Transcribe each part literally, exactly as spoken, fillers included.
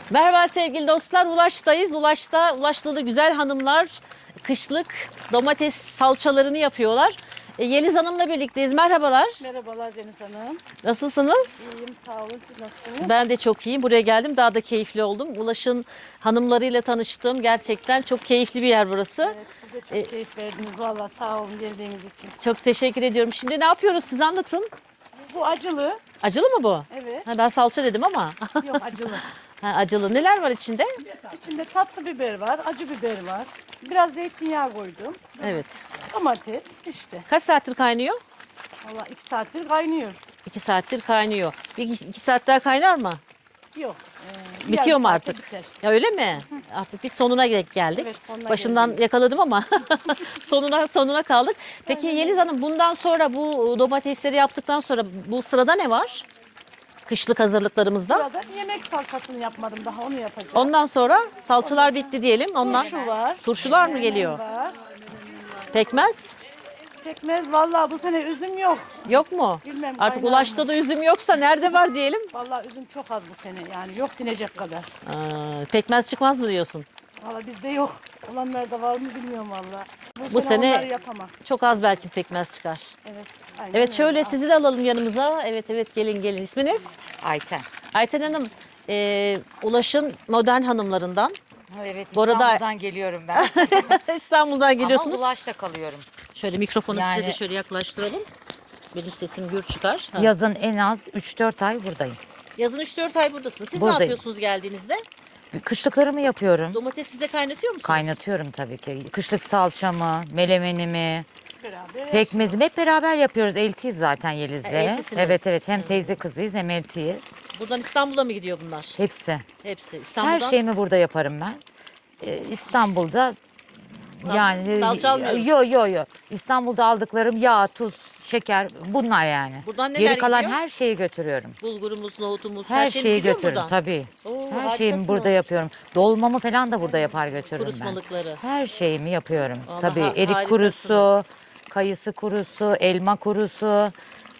Merhaba sevgili dostlar. Ulaş'tayız. Ulaş'ta Ulaş'ta güzel hanımlar kışlık domates salçalarını yapıyorlar. E, Yeliz Hanım'la birlikteyiz. Merhabalar. Merhabalar Deniz Hanım. Nasılsınız? İyiyim, sağ olun. Siz nasılsınız? Ben de çok iyiyim. Buraya geldim. Daha da keyifli oldum. Ulaş'ın hanımlarıyla tanıştım. Gerçekten çok keyifli bir yer burası. Evet, siz de çok E, keyif verdiniz. Valla sağ olun geldiğiniz için. Çok teşekkür ediyorum. Şimdi ne yapıyoruz? Siz anlatın. Bu acılı. Acılı mı bu? Evet. Ha, ben salça dedim ama. Yok acılı. Ha, acılı. Neler var içinde? İçinde tatlı biber var, acı biber var. Biraz zeytinyağı koydum. Evet. Domates işte. Kaç saattir kaynıyor? Valla iki saattir kaynıyor. İki saattir kaynıyor. Bir iki, iki saat daha kaynar mı? Yok. e, bir Bitiyor yarım mu saate artık? Biter. Ya öyle mi? Artık biz sonuna gel- geldik. Evet, sonuna Başından geldik. yakaladım ama sonuna sonuna kaldık. Peki Yeliz Hanım, bundan sonra bu domatesleri yaptıktan sonra bu sırada ne var? Kışlık hazırlıklarımızda. Burada yemek salçasını yapmadım daha, onu yapacağım. Ondan sonra salçalar bitti diyelim. Ondan Turşu var. turşular mı menemen geliyor? Var. Pekmez Pekmez valla bu sene üzüm yok. yok mu? Bilmem, Artık kaynar Ulaş'ta mı? da üzüm yoksa nerede var diyelim? Valla üzüm çok az bu sene yani yok dinecek kadar. Aa, pekmez çıkmaz mı diyorsun? Valla bizde yok. Olanlar da var mı bilmiyorum valla. Bu, Bu sene, sene- onları yapamam. Çok az belki pekmez çıkar. Evet. Aynen Evet, öyle. şöyle Al. sizi de alalım yanımıza. Evet evet, gelin gelin. İsminiz? Ayten. Ayten Hanım, e, Ulaş'ın modern hanımlarından. Evet, Bu arada- İstanbul'dan geliyorum ben. İstanbul'dan geliyorsunuz. Ama Ulaş'ta kalıyorum. Şöyle mikrofonu size Yani- de şöyle yaklaştıralım. Benim sesim gür çıkar. Ha. Yazın en az üç dört ay buradayım. Yazın üç dört ay buradasınız. Siz ne Buradayım. yapıyorsunuz geldiğinizde? Kışlıklarımı yapıyorum. Domatesi siz de kaynatıyor musunuz? Kaynatıyorum tabii ki. Kışlık salçamı, melemenimi, Beraber. pekmezimi hep beraber yapıyoruz. Eltiyiz zaten Yeliz'le. Ha, eltisiniz. Evet evet, hem Hı. teyze kızıyız hem eltiyiz. Buradan İstanbul'a mı gidiyor bunlar? Hepsi. Hepsi. Her İstanbul'dan. şeyimi burada yaparım ben. Ee, İstanbul'da Sal- yani salça almıyoruz. yo yo yo. İstanbul'da aldıklarım yağ, tuz, şeker bunlar yani. Buradan neler Geri kalan gidiyor? her şeyi götürüyorum. Bulgurumuz, nohutumuz, her, Her şeyimiz şeyi gidiyor mu götürürüm buradan? tabii. Oo, Her harikasınız. şeyimi burada yapıyorum. Dolmamı falan da burada yapar götürürüm ben. Kurutmalıkları. Her şeyimi yapıyorum. Vallahi Tabii ha- erik kurusu, harikasınız. kayısı kurusu, elma kurusu.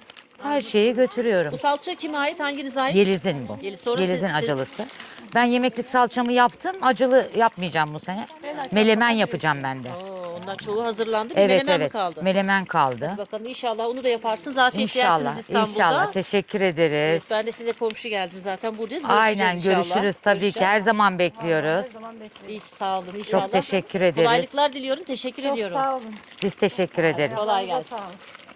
Her şeyi götürüyorum. Bu salça kime ait? Hanginize ait? Yeliz'in bu. Yeliz, sonra Yeliz'in siz- siz- acılısı. Ben yemeklik salçamı yaptım. Acılı yapmayacağım bu sene. Melemen yapacağım ben de. Oo, ondan çoğu hazırlandı. Bir Evet menemen mi evet. kaldı? Melemen kaldı. Bakalım, inşallah onu da yaparsınız. Afiyet İnşallah. yersiniz İstanbul'da. İnşallah. Teşekkür ederiz. Evet, ben de size komşu geldim zaten, buradayız. Görüşeceğiz Aynen inşallah. görüşürüz tabii ki. Görüşeceğiz. Her zaman bekliyoruz. Her zaman bekliyorum. İyi, sağ olun inşallah. Çok teşekkür ederiz. Kolaylıklar diliyorum. Teşekkür Çok ediyorum. sağ olun. Biz teşekkür ederiz. Kolay Ayağınıza gelsin. sağlık.